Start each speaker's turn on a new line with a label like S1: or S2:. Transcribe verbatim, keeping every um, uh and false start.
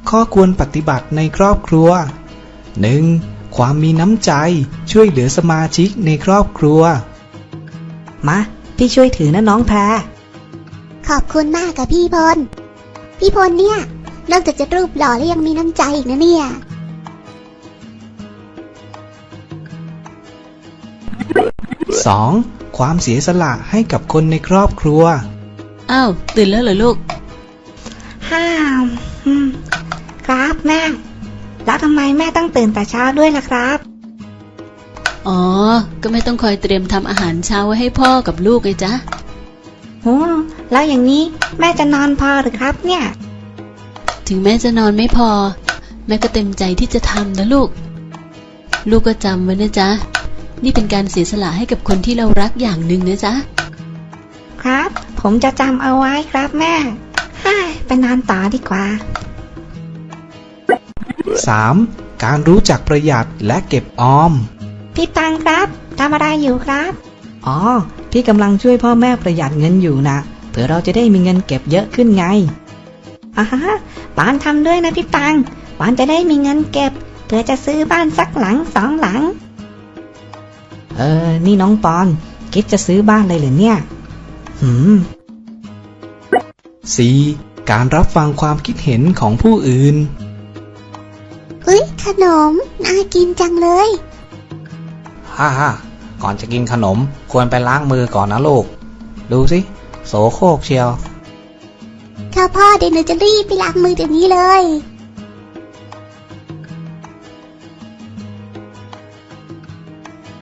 S1: ข้อควรปฏิบัติในครอบครัว หนึ่ง. ความมีน้ำใจช่วยเหลือสมาชิกในครอบครัว
S2: มาพี่ช่วยถือนะน้องแพร
S3: ขอบคุณมากกับพี่พลพี่พลเนี่ยนอกจากจะรูปหล่อแล้วยังมีน้ำใจอีกนะเนี่ย
S1: สอง. ความเสียสละให้กับคนในครอบครัว
S4: อ้าวตื่นแล้วเหรอลูก
S2: ห้ามครับแม่แล้วทำไมแม่ต้องตื่นแต่เช้าด้วยล่ะครับ
S4: อ๋อก็ไม่ต้องคอยเตรียมทำอาหารเช้าไว้ให้พ่อกับลูกไงจ๊ะ
S2: โหแล้วอย่างนี้แม่จะนอนพอหรือครับเนี่ย
S4: ถึงแม่จะนอนไม่พอแม่ก็เต็มใจที่จะทำนะลูกลูกก็จำไว้นะจ๊ะนี่เป็นการเสียสละให้กับคนที่เรารักอย่างหนึ่งนะจ๊ะ
S2: ครับผมจะจำเอาไว้ครับแม่ไปนอนต่อดีกว่า
S1: สาม. การรู้จักประหยัดและเก็บออม
S2: พี่ตังครับทำอะไรอยู่ครับอ๋อพี่กำลังช่วยพ่อแม่ประหยัดเงินอยู่นะเผื่อเราจะได้มีเงินเก็บเยอะขึ้นไงอ่าฮะปานทำด้วยนะพี่ตังปานจะได้มีเงินเก็บเผื่อจะซื้อบ้านสักหลังสองหลังเออนี่น้องปอนคิดจะซื้อบ้านเลยเหรอเนี่ยหืม
S1: สี่. การรับฟังความคิดเห็นของผู้อื่น
S3: เฮ้ยขนมน่ากินจังเลย
S5: ฮ่าฮ่าก่อนจะกินขนมควรไปล้างมือก่อนนะลูกดูสิโสโครกเชียว
S3: ค่ะพ่อเดี๋ยวหนูจะรีบไปล้างมือเดี๋ยวนี้เลย